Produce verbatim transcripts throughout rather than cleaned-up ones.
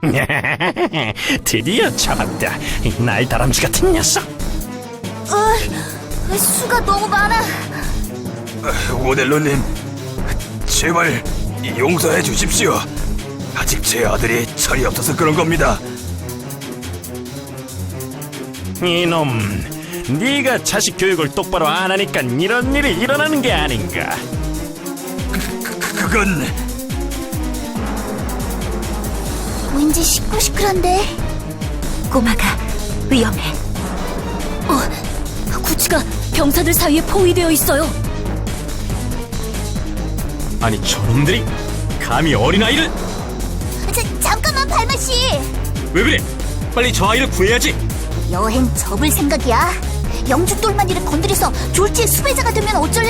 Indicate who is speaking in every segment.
Speaker 1: 드디어 잡았다. 이 날다람쥐 같은 녀석.
Speaker 2: 어, 수가 너무 많아.
Speaker 3: 오델로님, 제발 용서해 주십시오. 아직 제 아들이 철이 없어서 그런 겁니다.
Speaker 1: 이놈, 네가 자식 교육을 똑바로 안 하니까 이런 일이 일어나는 게 아닌가.
Speaker 3: 그, 그건...
Speaker 2: 왠지 시끌시끌한데. 꼬마가 위험해. 어, 구치가 병사들 사이에 포위되어 있어요.
Speaker 4: 아니 저놈들이 감히 어린아이를...
Speaker 2: 자, 잠깐만 발마씨.
Speaker 4: 왜 그래? 빨리 저 아이를 구해야지.
Speaker 2: 여행 접을 생각이야. 영주 똘마니를 건드려서 졸지의 수배자가 되면 어쩔래?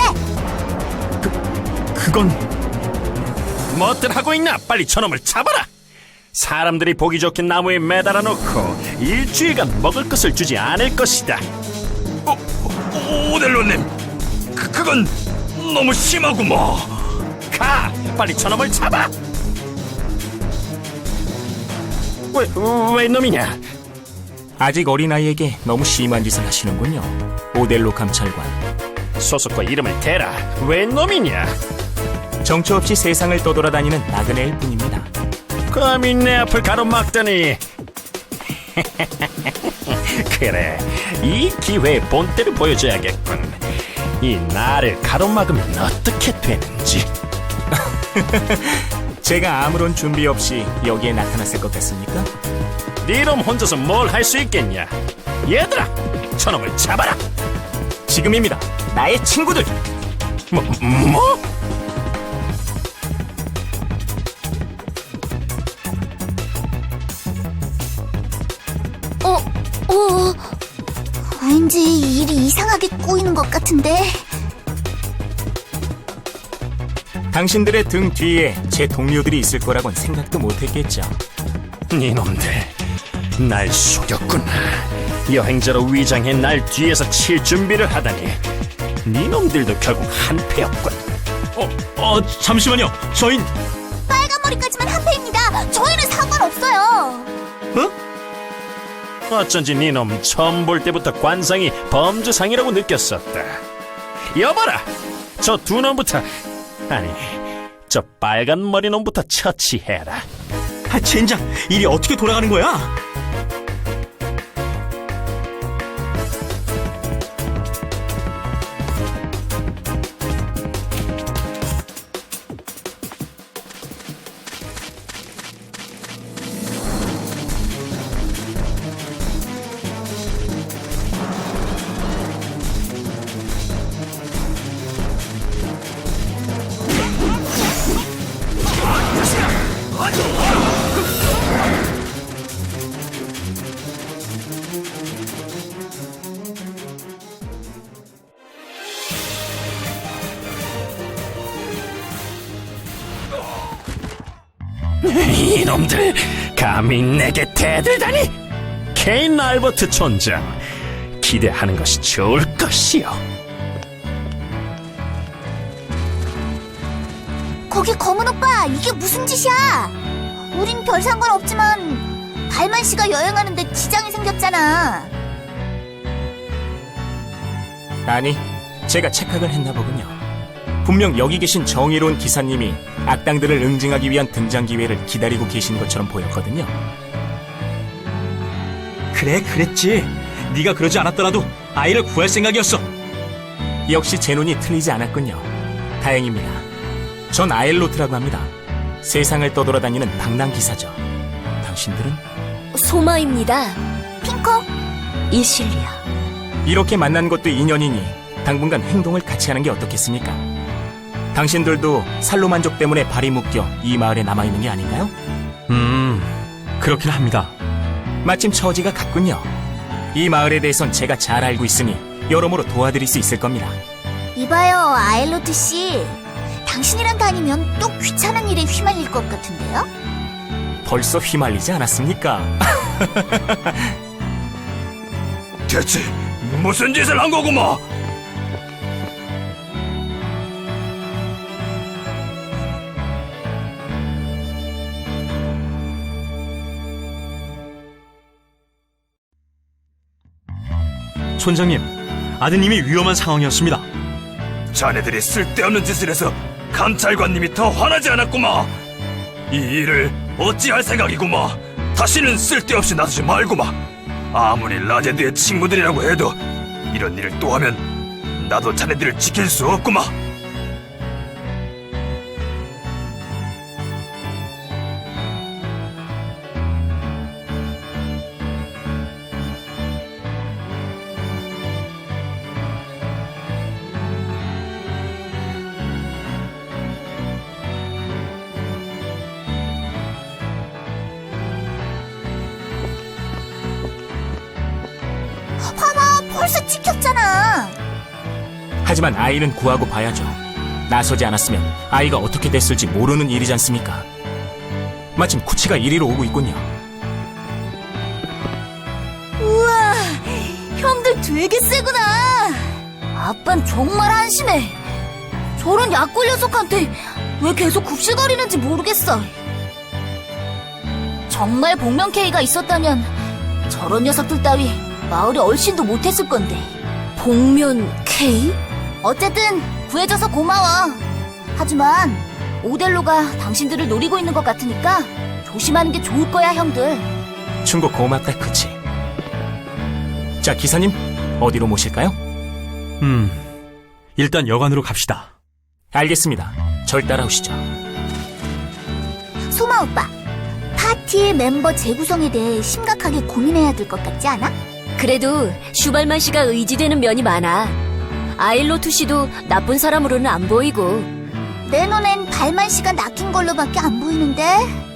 Speaker 4: 그건...
Speaker 1: 뭐들 하고 있나? 빨리 저놈을 잡아라. 사람들이 보기 좋게 나무에 매달아 놓고 일주일간 먹을 것을 주지 않을 것이다.
Speaker 3: 오, 오, 오델로님, 그, 그건 너무 심하구먼.
Speaker 1: 가! 빨리 저놈을 잡아! 왜, 왜 놈이냐?
Speaker 5: 아직 어린아이에게 너무 심한 짓을 하시는군요. 오델로 감찰관.
Speaker 1: 소속과 이름을 대라. 왜 놈이냐?
Speaker 5: 정처 없이 세상을 떠돌아다니는 나그네일 뿐입니다.
Speaker 1: 감히 내 앞을 가로막다니. 그래, 이 기회에 본때를 보여줘야겠군. 이 나를 가로막으면 어떻게 되는지.
Speaker 5: 제가 아무런 준비 없이 여기에 나타났을 것 같습니까?
Speaker 1: 네놈 혼자서 뭘 할 수 있겠냐? 얘들아, 저놈을 잡아라.
Speaker 5: 지금입니다. 나의 친구들.
Speaker 1: 뭐? 뭐?
Speaker 2: 어, 어, 왠지 일이 이상하게 꼬이는 것 같은데.
Speaker 5: 당신들의 등 뒤에 제 동료들이 있을 거라곤 생각도 못했겠죠.
Speaker 1: 네놈들, 날 속였구나. 여행자로 위장해 날 뒤에서 칠 준비를 하다니. 네놈들도 결국 한패였군.
Speaker 4: 어, 어 잠시만요. 저흰...
Speaker 2: 빨간 머리까지만 한패입니다. 저희는 상관없어요.
Speaker 1: 어쩐지 네놈 처음 볼 때부터 관상이 범주상이라고 느꼈었다. 여봐라, 저 두 놈부터, 아니, 저 빨간 머리 놈부터 처치해라.
Speaker 4: 아, 젠장! 일이 어떻게 돌아가는 거야?
Speaker 1: 이놈들, 감히 내게 대들다니! 케인 알버트 촌장, 기대하는 것이 좋을 것이요.
Speaker 2: 거기 검은 오빠, 이게 무슨 짓이야? 우린 별 상관없지만 발만 씨가 여행하는데 지장이 생겼잖아.
Speaker 5: 아니, 제가 착각을 했나 보군요. 분명 여기 계신 정의로운 기사님이 악당들을 응징하기 위한 등장 기회를 기다리고 계신 것처럼 보였거든요.
Speaker 4: 그래, 그랬지. 네가 그러지 않았더라도 아이를 구할 생각이었어.
Speaker 5: 역시 제 눈이 틀리지 않았군요. 다행입니다. 전 아엘로트라고 합니다. 세상을 떠돌아다니는 방랑기사죠. 당신들은?
Speaker 2: 소마입니다. 핑커? 이실리아.
Speaker 5: 이렇게 만난 것도 인연이니 당분간 행동을 같이 하는 게 어떻겠습니까? 당신들도 살로만족 때문에 발이 묶여 이 마을에 남아있는 게 아닌가요?
Speaker 4: 음, 그렇긴 합니다.
Speaker 5: 마침 처지가 같군요. 이 마을에 대해선 제가 잘 알고 있으니 여러모로 도와드릴 수 있을 겁니다.
Speaker 2: 이봐요, 아일로트 씨. 당신이랑 다니면 또 귀찮은 일에 휘말릴 것 같은데요?
Speaker 5: 벌써 휘말리지 않았습니까?
Speaker 3: 대체 무슨 짓을 한 거고 뭐?
Speaker 4: 촌장님, 아드님이 위험한 상황이었습니다.
Speaker 3: 자네들이 쓸데없는 짓을 해서 감찰관님이 더 화나지 않았구마. 이 일을 어찌할 생각이구마. 다시는 쓸데없이 나서지 말구마. 아무리 라제드의 친구들이라고 해도 이런 일을 또 하면 나도 자네들을 지킬 수 없구마.
Speaker 2: 봐봐, 벌써 찍혔잖아.
Speaker 5: 하지만 아이는 구하고 봐야죠. 나서지 않았으면 아이가 어떻게 됐을지 모르는 일이지 않습니까? 마침 쿠치가 이리로 오고 있군요.
Speaker 2: 우와, 형들 되게 세구나. 아빤 정말 한심해. 저런 약골 녀석한테 왜 계속 굽실거리는지 모르겠어. 정말 복면 K가 있었다면 저런 녀석들 따위 마을에 얼씬도 못했을 건데. 복면 K? 어쨌든 구해줘서 고마워. 하지만 오델로가 당신들을 노리고 있는 것 같으니까 조심하는 게 좋을 거야, 형들.
Speaker 5: 충고 고맙다, 쿠치. 자, 기사님, 어디로 모실까요?
Speaker 4: 음, 일단 여관으로 갑시다.
Speaker 5: 알겠습니다. 절 따라오시죠.
Speaker 2: 소마 오빠, 파티의 멤버 재구성에 대해 심각하게 고민해야 될 것 같지 않아?
Speaker 6: 그래도 슈발만 씨가 의지되는 면이 많아. 아일로투 씨도 나쁜 사람으로는 안 보이고.
Speaker 2: 내 눈엔 발만 씨가 낚인 걸로밖에 안 보이는데.